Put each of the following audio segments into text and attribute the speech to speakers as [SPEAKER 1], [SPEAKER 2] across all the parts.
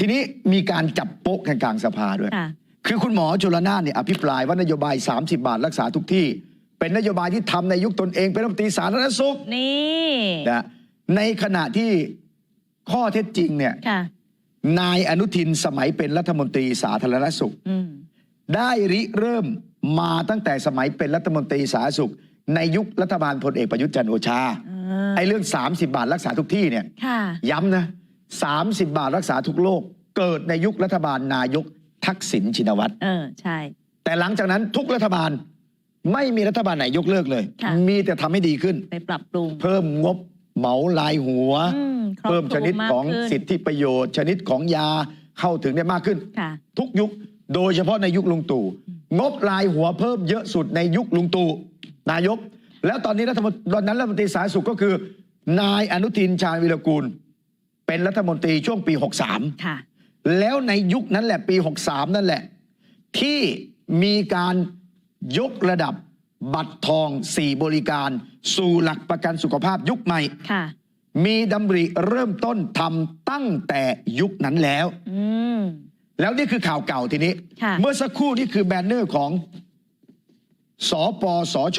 [SPEAKER 1] ทีนี้มีการจับโป๊ะกันกลางสภาด้วยคือคุณหมอชลนานเนี่ยอภิปรายว่านโยบาย30 บาทรักษาทุกที่เป็นนโยบายที่ทำในยุคตนเองเป็นรัฐมนตรีสาธารณสุข
[SPEAKER 2] นี่
[SPEAKER 1] นะในขณะที่ข้อเท็จจริงเนี่ยนายอนุทินสมัยเป็นรัฐมนตรีสาธารณสุขได้ริเริ่มมาตั้งแต่สมัยเป็นรัฐมนตรีสาธารณสุขในยุครัฐบาลพลเอกประยุทธ์จันทร์โอชาไอ้เรื่อง30 บาทรักษาทุกที่เนี่ยย้ำนะ30 บาทรักษาทุกโรคเกิดในยุครัฐบาลนายกทักษิณชินวัตร
[SPEAKER 2] ใช่
[SPEAKER 1] แต่หลังจากนั้นทุกรัฐบาลไม่มีรัฐบาลไหนยกเลิกเลยมีแต่ทำให้ดีขึ้น
[SPEAKER 2] ไปปรับปรุง
[SPEAKER 1] เพิ่มงบเหมารายหัวเพิ่มชนิดของสิทธิประโยชน์ชนิดของยาเข้าถึงได้มากขึ้นทุกยุคโดยเฉพาะในยุคลุงตู่งบรายหัวเพิ่มเยอะสุดในยุคลุงตู่นายกแล้วตอนนี้รัฐมนตรีสาธารณสุขก็คือนายอนุทินชาญวิรากูลเป็นรัฐมนตรีช่วงปี63แล้วในยุคนั้นแหละปี63นั่นแหละที่มีการยกระดับบัตรทอง4บริการสู่หลักประกันสุขภาพยุคใหม่มีดำริเริ่มต้นทำตั้งแต่ยุคนั้นแล้วแล้วนี่คือข่าวเก่าทีนี้เมื่อสักครู่นี่คือแบนเนอร์ของสปสช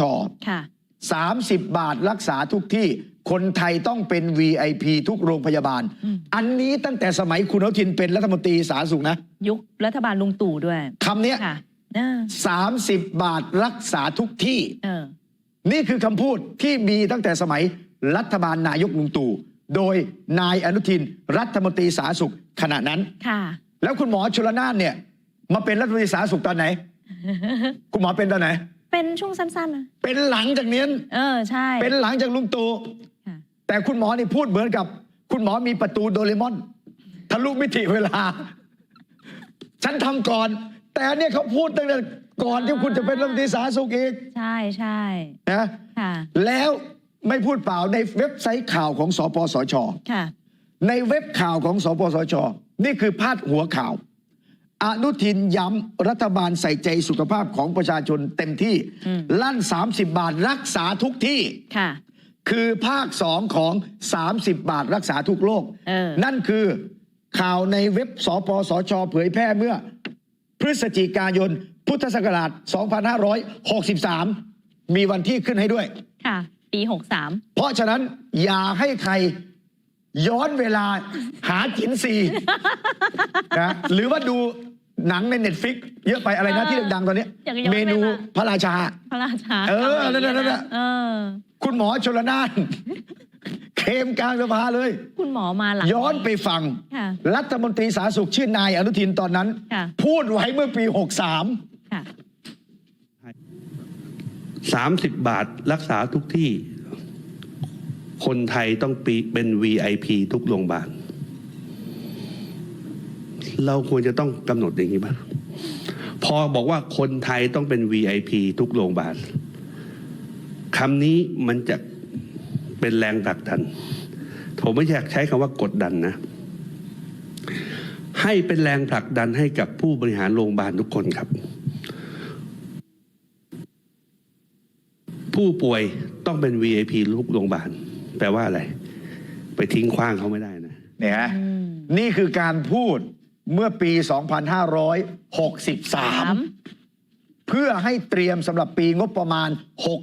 [SPEAKER 1] 30 บาทรักษาทุกที่คนไทยต้องเป็น VIP ทุกโรงพยาบาลอันนี้ตั้งแต่สมัยคุณอนุทินเป็นรัฐมนตรีสาธารณสุขนะ
[SPEAKER 2] ยุครัฐบาลลุงตู่ด้วย
[SPEAKER 1] คำนี้30 บาทรักษาทุกที่นี่คือคำพูดที่มีตั้งแต่สมัยรัฐบาลนายกลุงตู่โดยนายอนุทินรัฐมนตรีสาธารณสุขขณะนั้นแล้วคุณหมอชลนานเนี่ยมาเป็นรัฐมนตรีสาธารณสุขตอนไหน คุณหมอเป็นตอนไหน
[SPEAKER 2] เป็นช่วงสั้นๆนะ
[SPEAKER 1] เป็นหลังจากนี้
[SPEAKER 2] ใช่
[SPEAKER 1] เป็นหลังจากลุงตู่แต่คุณหมอนี่พูดเหมือนกับคุณหมอมีประตูโดเรมอนทะลุมิติเวลาฉันทำก่อนแต่เนี่ยเขาพูดตั้งแต่ก่อนที่คุณจะเป็นรัฐมนตรีสาธารณสุขอีก
[SPEAKER 2] ใช่
[SPEAKER 1] นะแล้วไม่พูดเปล่าในเว็บไซต์ข่าวของสปสชในเว็บข่าวของสปสชนี่คือพาดหัวข่าวอนุทินย้ำรัฐบาลใส่ใจสุขภาพของประชาชนเต็มที่ลั่น30 บาทรักษาทุกที่คือภาค2ของ30 บาทรักษาทุกโรคนั่นคือข่าวในเว็บสปสชเผยแพร่เมื่อพฤศจิกายนพุทธศักราช2563มีวันที่ขึ้นให้ด้วย
[SPEAKER 2] ปี63
[SPEAKER 1] เพราะฉะนั้นอย่าให้ใครย้อนเวลาหาจินซีนะหรือว่าดูหนังใน Netflix เยอะไปอะไรนะที่ดังๆตอนนี้เมนูพระราชานั่นคุณหมอชลนานเคมกลางสภาเลย
[SPEAKER 2] คุณหมอมาหลัง
[SPEAKER 1] ย้อนไปฟังรัฐมนตรีสาธารณสุขชื่อนายอนุทินตอนนั้นพูดไว้เมื่อปี
[SPEAKER 3] 30 บาทรักษาทุกที่คนไทยต้องเป็น VIP ทุกโรงพยาบาลเราควรจะต้องกำหนดอย่างนี้บ้างพอบอกว่าคนไทยต้องเป็น VIP ทุกโรงพยาบาลคำนี้มันจะเป็นแรงผลักดันผมไม่อยากใช้คำว่ากดดันนะให้เป็นแรงผลักดันให้กับผู้บริหารโรงพยาบาลทุกคนครับผู้ป่วยต้องเป็น VIP ทุกโรงพยาบาลแปลว่าอะไรไปทิ้งขว้างเขาไม่ได้นะ
[SPEAKER 1] เนี่ยนี่คือการพูดเมื่อปี2563เพื่อให้เตรียมสำหรับปีงบประมาณ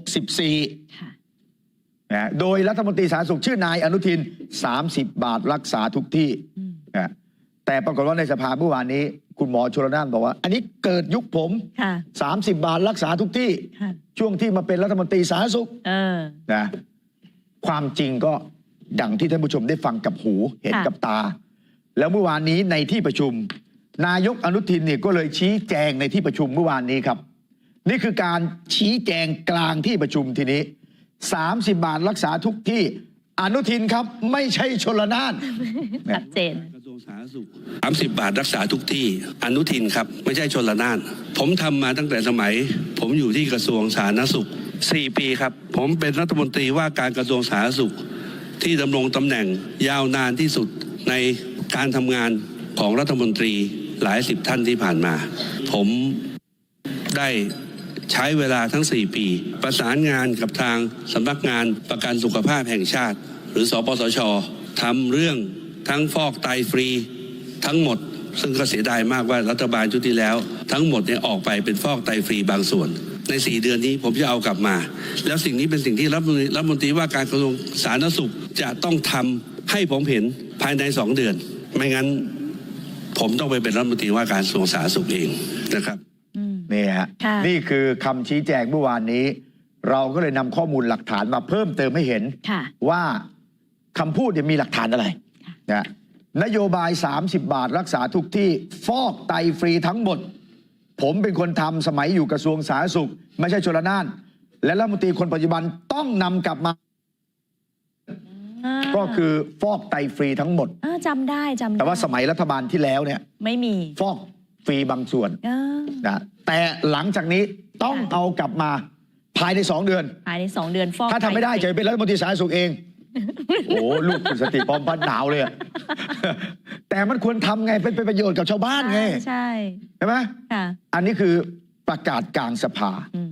[SPEAKER 1] 64นะโดยรัฐมนตรีสาธารณสุขชื่อนายอนุทิน30 บาทรักษาทุกที่นะแต่ปรากฏว่าในสภาเมื่อวานนี้คุณหมอชลนานบอกว่าอันนี้เกิดยุคผม30 บาทรักษาทุกที่ช่วงที่มาเป็นรัฐมนตรีสาธารณสุขนะความจริงก็ดังที่ท่านผู้ชมได้ฟังกับหูเห็นกับตาแล้วเมื่อวานนี้ในที่ประชุมนายกอนุทินเนี่ยก็เลยชี้แจงในที่ประชุมเมื่อวานนี้ครับนี่คือการชี้แจงกลางที่ประชุมทีนี้30 บาทรักษาทุกที่อนุทินครับไม่ใช่ชลนาน
[SPEAKER 2] ชัดเจน
[SPEAKER 3] กระทรวงสาธารณสุข30 บาทรักษาทุกที่อนุทินครับไม่ใช่ชลนานผมทำมาตั้งแต่สมัยผมอยู่ที่กระทรวงสาธารณสุข4 ปีครับผมเป็นรัฐมนตรีว่าการกระทรวงสาธารณสุขที่ดำรงตำแหน่งยาวนานที่สุดในการทำงานของรัฐมนตรีหลาย10 ท่านที่ผ่านมาผมได้ใช้เวลาทั้ง4 ปีประสานงานกับทางสำนักงานประกันสุขภาพแห่งชาติหรือสปสชทำเรื่องทั้งฟอกไตฟรีทั้งหมด ซึ่งก็เสียดายมากว่ารัฐบาลชุดที่แล้ว ทั้งหมดเนี่ยออกไปเป็นฟอกไตฟรีบางส่วน ใน 4 เดือนนี้ผมจะเอากลับมา แล้วสิ่งนี้เป็นสิ่งที่รัฐมนตรีว่าการกระทรวงสาธารณสุขจะต้องทำให้ผมเห็นภายใน 2 เดือน ไม่งั้นผมต้องไปเป็นรัฐมนตรีว่าการกระทรวงสาธารณสุขเองนะครับ
[SPEAKER 1] นี่ฮะ
[SPEAKER 2] ค่ะ
[SPEAKER 1] นี่คือคำชี้แจงเมื่อวานนี้ เราก็เลยนำข้อมูลหลักฐานมาเพิ่มเติมให้เห็น
[SPEAKER 2] ค่ะ
[SPEAKER 1] ว่าคำพูดเนี่ยมีหลักฐานอะไรนะนโยบาย 30 บาทรักษาทุกที่ฟอกไตฟรีทั้งหมด ผมเป็นคนทำสมัยอยู่กระทรวงสาธารณสุข ไม่ใช่ชลน่าน และรัฐมนตรีคนปัจจุบันต้องนำกลับมา ก็คือฟอกไตฟรีทั้งหมด
[SPEAKER 2] จำได้จำได้
[SPEAKER 1] แต่ว่าสมัยรัฐบาลที่แล้วเนี่ย
[SPEAKER 2] ไม่มี
[SPEAKER 1] ฟอกฟรีบางส่วน นะแต่หลังจากนี้ต้องเอากลับมาภายใน 2 เดือน
[SPEAKER 2] ภายใน 2 เดือนฟอก
[SPEAKER 1] ถ้าทำไม่ได้จะเป็นรัฐมนตรีสาธารณสุขเอง โอ้ลูกคุณสติพร้อมพันหนาวเลยอะ แต่มันควรทำไงเป็นประโยชน์กับชาวบ้านไง
[SPEAKER 2] ใช่
[SPEAKER 1] ใช่ไหม
[SPEAKER 2] ค่ะ
[SPEAKER 1] อันนี้คือประกาศกลางสภา
[SPEAKER 2] อืม